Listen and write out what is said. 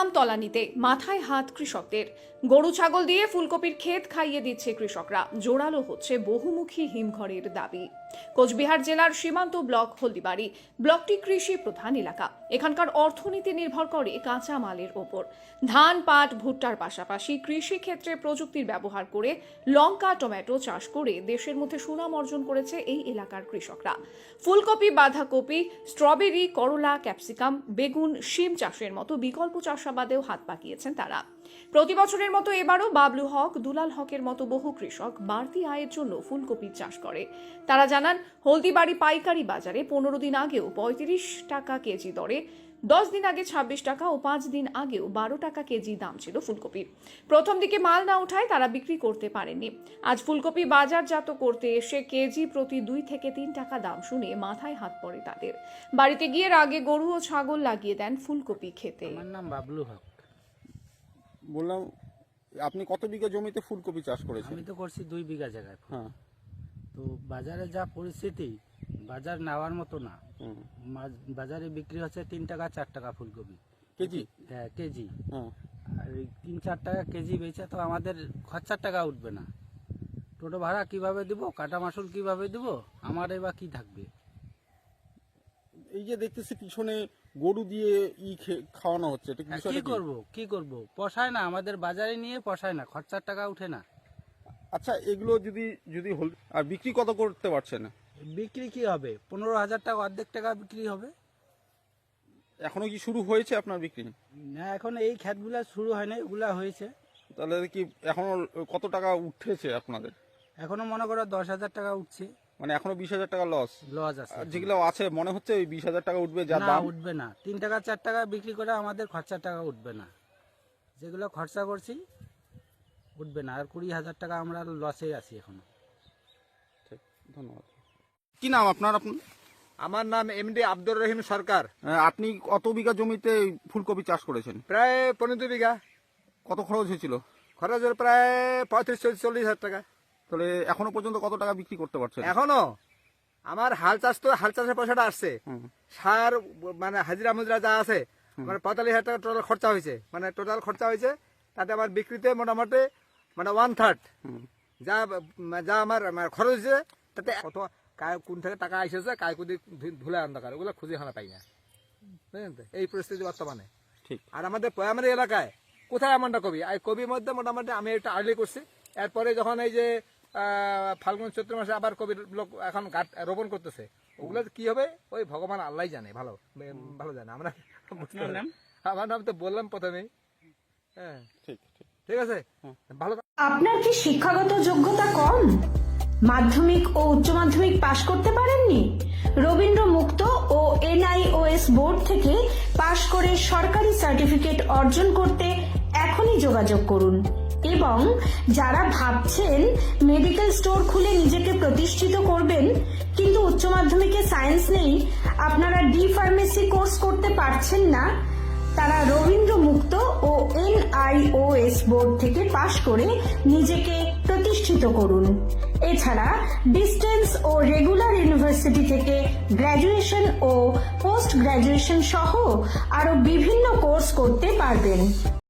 দাম তলানিতে, মাথায় হাত কৃষকদের। গরু ছাগল দিয়ে ফুলকপির ক্ষেত খাইয়ে দিচ্ছে কৃষকরা। জোরালো হচ্ছে বহুমুখী হিমঘরের দাবি। কোচবিহার জেলার সীমান্ত ব্লক হলদিবাড়ি ব্লকটি কৃষি প্রধান এলাকা। এখানকার অর্থনীতি নির্ভর করে কাঁচা মালের ওপর। ধান, পাট, ভুট্টার পাশাপাশি কৃষি ক্ষেত্রে প্রযুক্তির ব্যবহার করে লঙ্কা, টমেটো চাষ করে দেশের মধ্যে সুনাম অর্জন করেছে এই এলাকার কৃষকরা। ফুলকপি, বাঁধাকপি, স্ট্রবেরি, করলা, ক্যাপসিকাম, বেগুন, শিম চাষের মতো বিকল্প চাষাবাদেও হাত পাকিয়েছেন তারা। প্রতি বছরের মতো এবারও বাবলু হক, দুলাল হকের মতো বহু কৃষক বাড়তি আয়ের জন্য ফুলকপির চাষ করে। তারা জানান, হলদিবাড়ি পাইকারি বাজারে 15 দিন আগেও 35 টাকা কেজি দরে, 10 দিন আগে 26 টাকা ও 5 দিন আগেও 12 টাকা কেজি দাম ছিল ফুলকপির। প্রথম দিকে মাল না ওঠায় তারা বিক্রি করতে পারেননি। আজ ফুলকপি বাজারজাত করতে এসে কেজি প্রতি 2 থেকে 3 টাকা দাম শুনে মাথায় হাত পড়ে তাদের। বাড়িতে গিয়ে আগে গরু ও ছাগল লাগিয়ে দেন ফুলকপি খেতে। আমার নাম বাবলু হক। বললাম, আপনি কত বিঘা জমিতে ফুলকপি চাষ করেছেন? আমি তো করছি 2 বিঘা জায়গায়। হ্যাঁ। তো বাজারে যা পরিস্থিতি, বাজার নেওয়ার মতো না। বাজারে বিক্রি হচ্ছে 3 টাকা 4 টাকা ফুলকপি কেজি? হ্যাঁ, কেজি। হ্যাঁ। আর 3-4 টাকা কেজি বেচে তো আমাদের খরচার টাকা উঠবে না। টোটো ভাড়া কিভাবে দিব, কাটা মাসুল কিভাবে দিব, আমার এবার কি থাকবে? এই যে দেখতেছি পিছনে গরু দিয়ে খাওয়ানো হচ্ছে, এটা কি করব পোষায় না, আমাদের বাজারে নিয়ে পোষায় না, খরচার টাকা উঠে না। আচ্ছা, এগুলো যদি আর বিক্রি কত করতে পারছে না? বিক্রি কি হবে? 15,000 টাকা, অর্ধেক টাকা বিক্রি হবে। এখনো কি শুরু হয়েছে আপনার বিক্রি? না, এখন এই ক্ষেতগুলা শুরু হয়নি, এগুলা হয়েছে। তাহলে কি এখনো কত টাকা উঠেছে আপনাদের? এখনো মনে করো 10,000 টাকা উঠছে। মানে এখনো 20,000 টাকা লস আছে। যেগুলো আছে মনে হচ্ছে ওই 20,000 টাকা উঠবে, যা না, দাম উঠবে না। 3 টাকা 4 টাকা বিক্রি করে আমাদের খরচার টাকা উঠবে না। যেগুলো খরচা করছি উঠবে না। আর 20,000 টাকা আমরা লসে আছি এখনো। ঠিক, ধন্যবাদ। কি নাম আপনার? আমার নাম এমডি আব্দুর রহিম সরকার। আপনি কত বিঘা জমিতে ফুলকপি চাষ করেছেন? প্রায় 15 বিঘা। কত খরচ হয়েছিল? খরচ হলো প্রায় 35-40 হাজার টাকা। তাহলে এখনো পর্যন্ত কত টাকা বিক্রি করতে পারছেন? এখনো আমার হাল চাষের পয়সাটা আসছে, সার মানে হাজিরা মুজরা যা আছে, মানে 45,000 টাকা টোটাল খরচা হয়েছে। মানে টোটাল খরচা হয়েছে, তাতে আমার বিক্রিতে মোটামুটি মানে 1/3 যা আমার খরচ হয়েছে। তাতে কত কোন থেকে টাকা এসেছে, কায় কুদি ধুলে অন্ধকার, ওগুলো খুঁজে হানা পাই না। বুঝলেন তো, এই পরিস্থিতি বর্তমানে। ঠিক। আর আমাদের পয়ামারি এলাকায় কোথায় এমনটা কবি, এই কবির মধ্যে মোটামুটি আমি একটা আর্লি করছি। এরপরে যখন এই যে ফাল্গুন চৈত্র মাসে আবার কবির লোক এখন গাছ রোপণ করতেছে, ওগুলো কি হবে ওই ভগবান আল্লাহ জানে, ভালো জানে। আমরা আমার নাম তো বললাম প্রথমেই। হ্যাঁ, ঠিক আছে, ভালো। আপনার কি শিক্ষাগত যোগ্যতা কম? মাধ্যমিক ও উচ্চ মাধ্যমিক পাশ করতে পারেননি? রবীন্দ্র মুক্ত ও NIOS বোর্ড থেকে পাশ করে সরকারি সার্টিফিকেট অর্জন করতে এখনই যোগাযোগ করুন। এবং যারা ভাবছেন মেডিকেল স্টোর খুলে নিজেকে প্রতিষ্ঠিত করবেন কিন্তু উচ্চ মাধ্যমিকে সায়েন্স নেই, আপনারা ডি-ফার্মেসি কোর্স করতে পারছেন না, তারা রবীন্দ্র মুক্ত ও NIOS বোর্ড থেকে পাশ করে নিজেকে প্রতিষ্ঠিত করুন। এছাড়া ডিস্টেন্স ও রেগুলার ইউনিভার্সিটি থেকে গ্র্যাজুয়েশন ও পোস্ট গ্র্যাজুয়েশন সহ আরো বিভিন্ন কোর্স করতে পারবেন।